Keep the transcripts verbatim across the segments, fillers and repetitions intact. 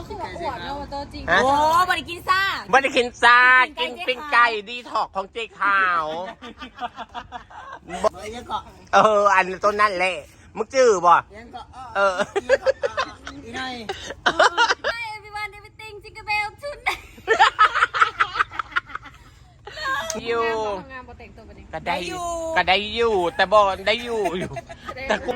คือว่าอวดเนาะตัวจริงฮะโอ้บริกินซ่าไม่ได้กินซากินปิ้งไก่ดีถอกของเจ๊ขาวยังเกาะเออ อันต้นนั่นแหละมึงจื้อบ่ยังเกาะเอออีน้อย Hi everyone everything jingle bell tonight อยู่งานโปรแต่งตัวเป็นยังก็ได้ก็ได้อยู่แต่บ่ได้อยู่อยู่แต่กู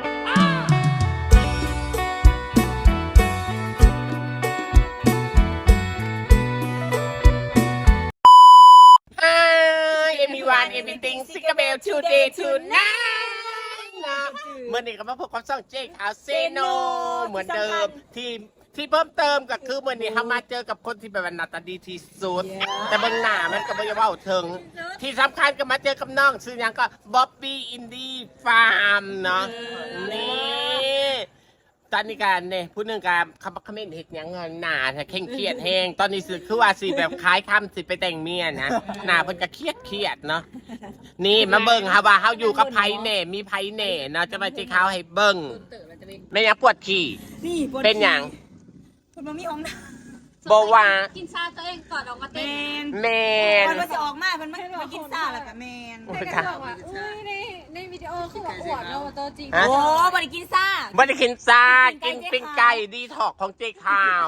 เอมีวานเอมีติงซิกาเบล today tonight นะเมื่อนี้ก็มาพบกับช่องเจ๊ขาวเซโนเหมือนเดิมที่ที่เพิ่มเติมก็คือเมื่อนี้เขามาเจอกับคนที่แบบหน้าตาดีที่สุด แต่บนหน้ามันก็ไม่ได้ว่าถึง ที่สำคัญก็มาเจอกับน้องชื่อยังก็บ๊อบบี้อินดี้ฟาร์มเนาะนี่ตอนนี้การเนี่ยผู้หนึ่งการคำคำเมนเห็ดยังเงินหนาแต่เคร่งเครียดแห้งตอนนี้สิคือว่าสิแบบคล้ายคำสิไปแต่งเมียนะหนาเพิ่นก็เครียดเครียดเนาะนี่มาเบิ่งค่ะว่าเขาอยู่กับไผเน่มีไผเน่เนาะจะมาเจ๊ขาวให้เบิ่งไม่ยังปวดขี่นี่ปวดเป็นหยังปวดมามีห้องน้บอกว่ากินซาตัวเองก่อนออกมาำเต้นแมนมันจะออกมามันไม่มากินซ่าแล้วกับแมนแต่ก็บอกว่าอุ้ยในในวิดีโอคือว่าอวดเนาะตัวจริงฮะโอ้บริกินซ่าไม่ได้กินซากินปิ้งไก่ดีถอกของเจ๊ขาว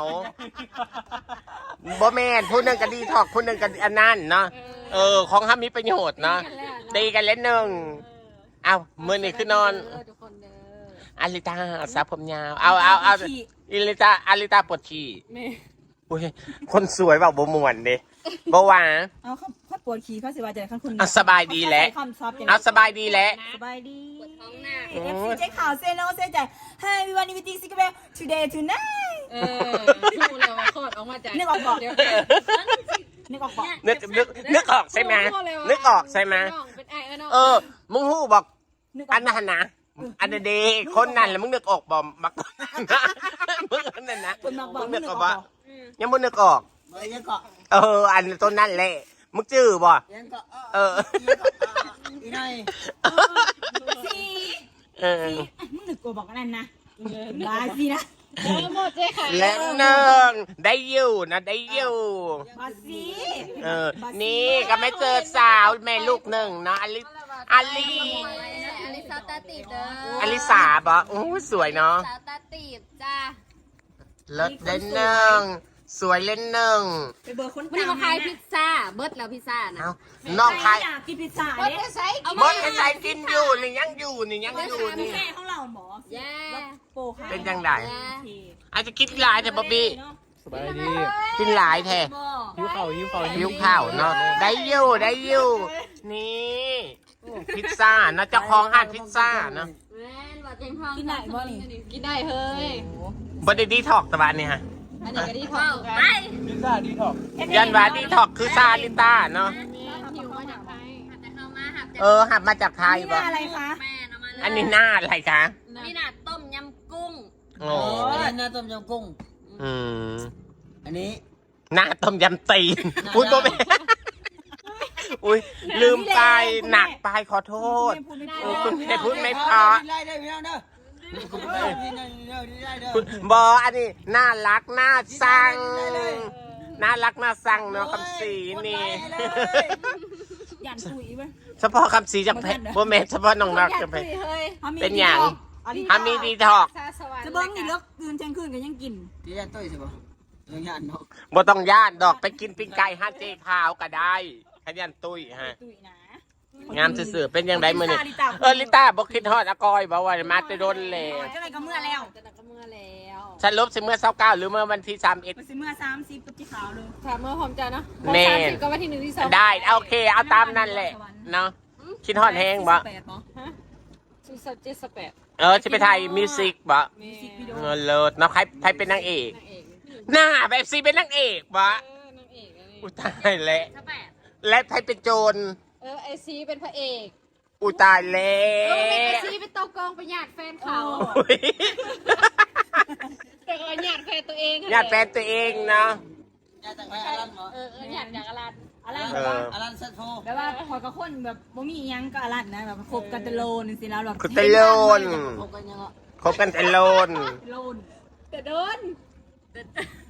บ่แมนผู้หนึ่งก็ดีถอกผู้หนึ่งก็อันนั้นเนาะเออของห้ามีประโยชน์เนาะตีกันเล่นหนึ่งเอามือนี่คือนอนเออทุกคนเด้ออาริตาสาวผมยาวเอาเอาเอาอิลิตาอาริตาปวดฉี่แม่อุ้ยคนสวยแบบบ่มวนเด้บ่ว่าเอาเขาเขาปวดขี้เขาสิว่าจะขั้นคุณเอาสบายดีแหละคำซับเอาสบายดีแหละสบายดีท้องหน้าเอฟซีเจ๊ข่าวเซโนเซใจให้วิวันนี้วิตีซิกเบล today tonight เออดูเลยว่าคลอดออกมาจากนึกออกบอกเดี๋ยวนึกออกบอกนึกนึกนึกออกใช่ไหมนึกออกใช่ไหมเป็นไอเออเนาะเออมึงฮู้บอกนึกออัอน กนั้นนะอันนั้นเดคนนั้นแล้วมึงนึกออกบ่มักมึงอันนั้นนะคนมักบอกมึงนึกออกบบ่อกยังมึงนึกออกยังเกาะเออ อันต้นนั่นแหละมึงจื้อบ่ยังเกาะเอออีน้อยสิเออมึงนึกกูบอกนั่นนะบายสินะเออหมดเลยค่ะและหนึ่งได้อยู่นะได้อยู่บายสิเออ นี่ก็ไม่เจอสาวแม่ลูกหนึ่งเนาะอลิอลิอลิซาตาติบเด้ออลิสาบ่โอ้สวยเนาะซาตาติบจ้าเลิศเล่นหนึ่งสวยเล่นหนึ่งไปเบอร์คนวันนี้มาขายพิซซ่าเบิร์ดแล้วพิซซ่านะเอาน้องใครอยากกินพิซซ่าเบิร์ดเนี่ยจะใช้เอาบดให้ใส่กินอยู่นี่ยังอยู่นี่ยังอยู่นี่แม่ของเราหมอแย่โปค่ะเป็นจังไดแย่อาจจะคิดหลายแต่บ๊อบบี้สบายดีกินหลายแท้หิวเข่าวหิวเข่าวหิวข้าวเนาะได้อยู่ได้อยู่นี่พิซซ่านะเจ้าของห้านพิซซ่าเนาะแม่นว่าเต็มห้องกินไหนบ่นี่กินได้เฮ้ยบไดดีทอกตะวันนี่ฮะอันนี้ก็ดีท้องไปพิซซ่าดีท็อกยันวาดีทอกคือซาลิต้าเนาะหิวมาจากไทยหัดแต่เข้ามาหัดแต่เออหับมาจากไทยนี่บ่อะไรคะแม่เอามาเลยอันนี้หน้าอะไรคะนี่น่ะต้มยำกุ้งโอ้อันนี้น้าต้มยำกุ้งอืมอันนี้หน้าต้มยำตีนอุ้ยโบเบอุ้ยลืมไปหนักไปขอโทษพูดไม่เอพูอดคุณแม่พูดไม่เพอได้ได้พี่น้องเด้อได้ได้ได้เด้อบออันนี้น่ารักน่าสั่งน่ารักน่าสั่งเนาะคำสีนี่ยันคุยไหมเฉพาะคำสีจะเพโบเมเฉพาะน้องนักจะเพเฮ้ยเป็นอย่างฮามีดีทอกซาสวรรค์จะเบิ้งนี่เลิกตื่นเที่ยงคืนก็ยังกินที่ยันตุ้ยใช่ป่ะยังยันเนาะบ่ต้องย่านดอกไปกินปิ้งไก่ห้าเจ๊ขาวก็ได้ขยันตุ้ยฮะตุยนะงามสื่อๆเป็นยังไงมือนี่เออลิต้าบอกคิดฮอดอากอยบอกว่ามาจะโดนเลยจะอะไรก็เมื่อแล้วจะนักก็เมื่อแล้วฉันลบสิเมื่อเศร้าเก้าหรือเมื่อวันที่สามเอ็ดไปซื้อเมื่อสามสิบกับที่ขาวเลยถามเมื่อพร้อมใจเนาะแน่สามสิบก็วันที่หนึ่งที่สองได้โอเคเอาตามนั่นแหละเนาะคิดฮอดแห้งบ่แปดบ่ฮะสุดสัปเจ็ดสแปดเออจะไปไทยมิวสิกบ่มีเออเลิศเนาะใครใครเป็นนางเอกนางเอกหน้าแบบซีเป็นนางเอกบ่เออนางเอกอันนี้อุยตายแล้วสแปดและใครเป็นโจรเออไอซีเป็นพระเอกอุยตายแล้เออเป็นไอวซีเป็นตัวกองประหยัดแฟนเขาอุ๊ยแต่ก็หยัดแฟนตัวเองญาติแฟนตัวเองเนาะยันแต่ไปอารันเหรอเออเออหยัดจากอลันอะไรเอแบบว่าออารันเซตโฟแบบว่าพอยกับคนแบบบ่มีอิหยังก็อลันนะแบบคบกันตะโลนสิแล้วแบบคุณตะโลนพบกันยังอ่ะคบกันแต่โลนโลนแต่โดนเ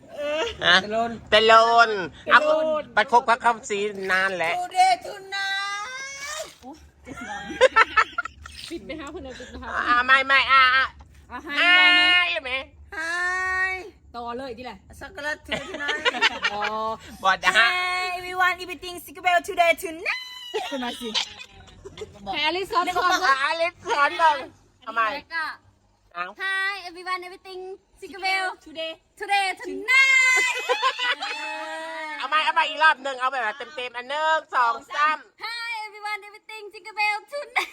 ฮะตะลนเตลนเอาไปคบกับคำสีนานแหละ today tonight ปิดไหมคะคุณนายปิดไหมคะอ่าไม่ไม่อ่าอ่าเอาให้อ่าไว้ไหมใช่ไหม hi ต่อเลยที่ไหน chocolate today tonight อ๋อบอดนะฮะ Hi everyone everything Secret Bell today tonight คุณมาสิแฮร์รี่ซอนซอนอ่าอลิสสอนเลยทำไมแล้วก็เอา Hi everyone everything Tinkerbell today today tonight เอามาเอามาอีกรอบหนึ่งเอาแบบเต็มเต็มๆอันหนึ่งสองสาม Hi everyone everything Tinkerbell tonight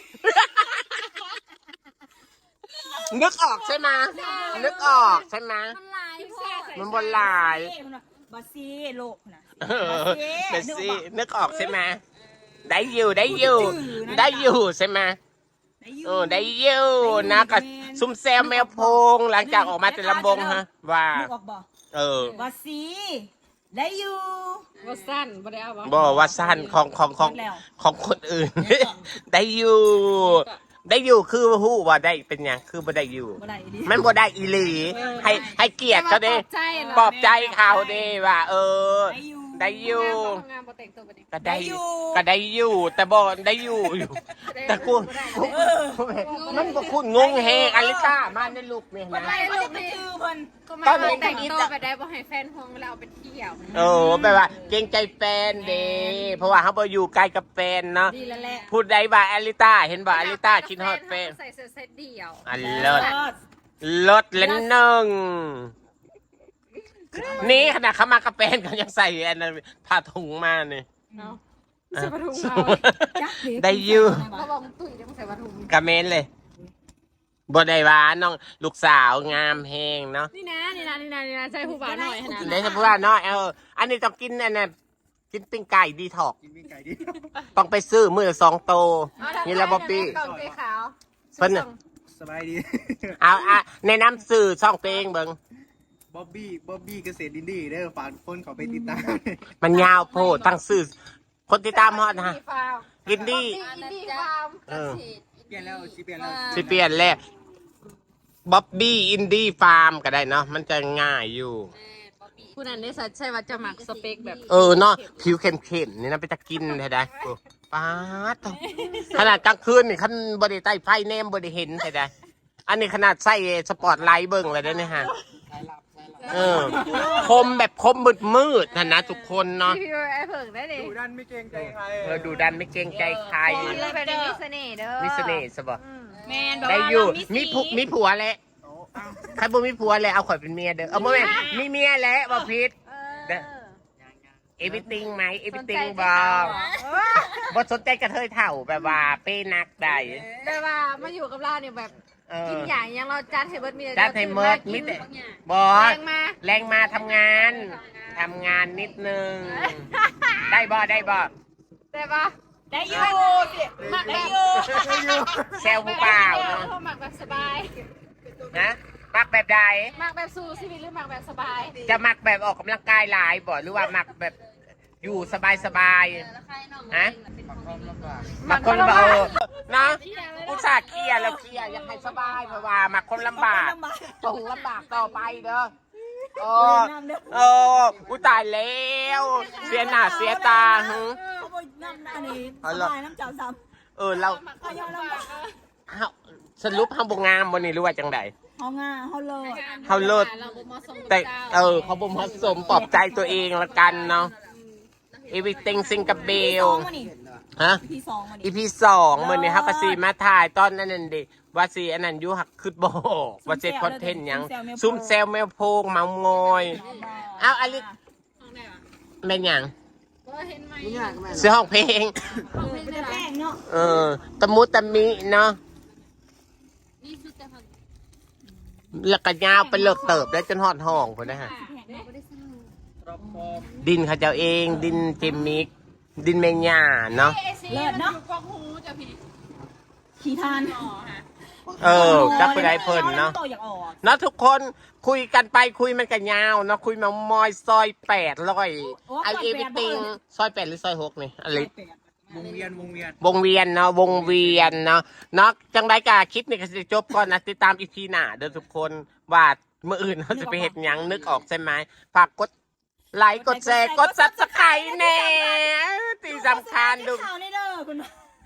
นึกออกใช่ไหมนึกออกใช่ไหมมันหลายพอมันบนลายบาซีโลกนะเออเบสซี่นึกออกใช่ไหมได้อยู่ได้อยู่ได้อยู่ใช่ไหมเออได้อยู่นะกับซุ่มแซวแมวโพงหลังจากออกมาแต่ลำบงฮะว่านึกออกบ่เออบาซีได้อยู่ว่าสั้นบ่ได้เอาวะบอกว่าสั้นของของของของคนอื่น ได้อยู่ ได้อยู่คือฮู้ว่าได้เป็นหยังคือบ่ได้อยู่บ่ได้ดิมันบ่ได้อีหลี ให้ให้เกียรติเขาเด้ปลอบใจเหรอปลอบใจเขาเด้ว่า เออได้อยู่ได้อยู่ทำงานบ่แต่งตัวบ่ได้ก็ได้ได้อยู่ก็ได้อยู่ แต่บ่ได้อยู่อยู่ แต่กูกูมันบ่คุณงงแฮงอลิต้ามาในลูกนี่บ่นะได้ลูกนี่คือเพิ่นก็มาบ่แต่งตัวไปได้บ่ให้แฟนห่วงเวลาเอาไปเที่ยวเออแบบว่าเกรงใจแฟนเด้เพราะว่าเขาบ่อยู่ใกล้กับแฟนเนาะดีแล้วแหละพูดได้ว่าอลิต้าเห็นบ่อลิต้าคิดฮอดแฟนใส่เสื้อเซตเดียวอันเลิศลดเล่นหนึ่งนี่ขนาดเขามากระเป็นเขายังใส่อันนั้นผ้าถุงมาเนี่ยเนาะใส่ผ้าถุงเราได้อยู่เขาบอกตุ้ยจะมาใส่ผ้าถุงกระเมนเลยบได้ว่าน้องลูกสาวงามแหงเนาะนี่นะนี่นะนี่นะนี่นะใส่ผู้บ่าวหน่อยนะได้พูดว่าน้อยเอออันนี้ต้องกินอันนั้นกินปิ้งไก่ดีถอกกินปิ้งไก่ดิต้องไปซื้อมือสองโตนี่ละบ๊อบบี้กล่องสีขาวเพิ่นน่ะสบายดีเอาอ่ะในน้ำสื่อช่องตัวเองเบิ่งบ๊อบบี้ บ๊อบบี้เกษตรดินดีเด้อฝากคนเขาไปติดตามมันยาวโพดตั้งสื่อคนติดตามฮอดนะฟาร์มกินดีอินดี้ฟาร์มเออเปลี่ยนแล้วสิเปลี่ยนแล้วสิเปลี่ยนแล้วบ๊อบบี้อินดี้ฟาร์มก็ได้เนาะมันจะง่ายอยู่ผู้นั้นได้สัตใช่ว่าจะหมักสเปคแบบเออเนาะผิวเข้มๆนี่นะไปจะกินได้ได้โอ้ป๊าดเถอะขนาดกลางคืนนี่คันบริใต้ไฟแนมบริเห็นได้ได้อันนี้ขนาดใส่สปอตไลท์เบิ่งเลยได้เนี่ยฮะเออคมแบบคมมืดมืดๆนะนะทุกคนเนาะพี่พี่ไอ้เผิงได้ดิดูดันไม่เกรงใจใครเออดูดันไม่เกรงใจใครเลยแบบนี้มีเสน่ห์เด้อมีเสน่ห์สบแม่นได้อยู่มีผัวมีผัวแล้วใครบ่มีผัวแล้วเอาข่อยเป็นเมียเด้อเอาบ่แม่นมีเมียแล้วบ่ผิดเออเอวิติงไหมเอวิติงบอกบ่สนใจกระเทยเถ่าแบบว่าเป้นักได้แต่ว่ามาอยู่กับเราเนี่ยแบบเออกินอย่างยังเราจัดให้เบิร์ดมีจัดให้เมิดมิแต่บอแรสงมาแรงมาทำงานทำงานนิดนึง ได้บอได้บอแต่ว่าได้อยู่หมักได้แบบอยู่แซวผู้เปล่าเนาะหมักแบบสบายนะมักแบบใดหมักแบบสู้ชีวิตหรือหมักแบบสบายจะมักแบบออกกำลังกายหลายบ่หรือว่ามักแบบอยู่สบายสบายๆฮะมักคนลำบากนะอุตส่าห์เคลียร์แล้วเคลียร์อยากให้สบายเพราะว่ามักคนลำบากต้องลำบากต่อไปเด้อโอ้โอ้อุยตายแล้วเสียหน้าเสียตาหึเขาบ่น้ำอันนี้สบายน้ำเจ้าซ้ำเออเราเขายอมลำบากเฮาสรุปเฮาบ่งามบ่นี่หรือว่าจังไดเขาง่าเขาเลิศเฮาเลิศเราบ่เหมาะสมกับแต่เจ้าเออเขาบ่เหมาะสมปลอบใจตัวเองละกันเนาะ everything ซิงกับเบลฮะพี่สองมาดิอีพีสองมื้อนี้เฮาก็สิมาถ่ายตอนนั้นนั่นดิว่าสิอันนั้นอยู่หักคือบ่ว่าเซ็ตคอนเทนต์หยังซุ่มแซวแมวโพงเมางอยเอาอลิห้องไหนวะแม่นหยังก็เห็นไหมซื้อห้องเพลงห้องเพลงเป็นได้หรอแป้งเนาะเออตะมุตะมิเนาะนี่คือแต่พันแล้วก็ยาวไปเลิกเติบได้จนฮอดห้องพุ่นนะฮะเราไม่ได้สร้างรอบคอบดินเขาเจ้าเอง ดินเจมิก ดินเมญาเนาะเลิศเนาะกองหูจ้ะพี่ขี่ทานเออจักไปได้เพิ่นเนาะโตอยากออกเนาะทุกคนคุยกันไปคุยมันกันยาวเนาะคุยมามอยซอยแปดร้อยไอเอวิติงซอยแปดหรือซอยหกนี่อะไรวงเวียนวงเวียนวงเวียนเนาะวงเวียนเนาะเนาะจังไดกาคลิปนี่ก็จะจบก่อนนะติดตามอีพีหน้าเด้อทุกคนว่าเมื่ออื่นเราจะไปเห็ดหยังนึกออกใช่ไหมฝากกดไลค์กดแชร์กดซับสไครต์แน่ที่สำคัญดูข่าวในเด้อคุณ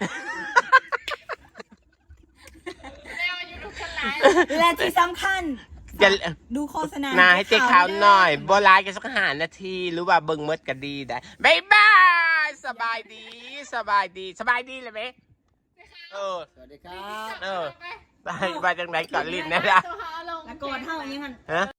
และที่สำคัญอย่าดูโฆษณานาให้เจ๊ขาวหน่อยโบราณกันสักหานาทีหรือว่าเบิ่งเมดก็ดีได้บ๊ายบายสบายดีสบายดีสบายดีเลยไหมเออสวัสดีครับเออไปไปจังไหนก่อนลิ้นนะจ๊ะแล้วกดเท่าอย่างนี้มันฮะ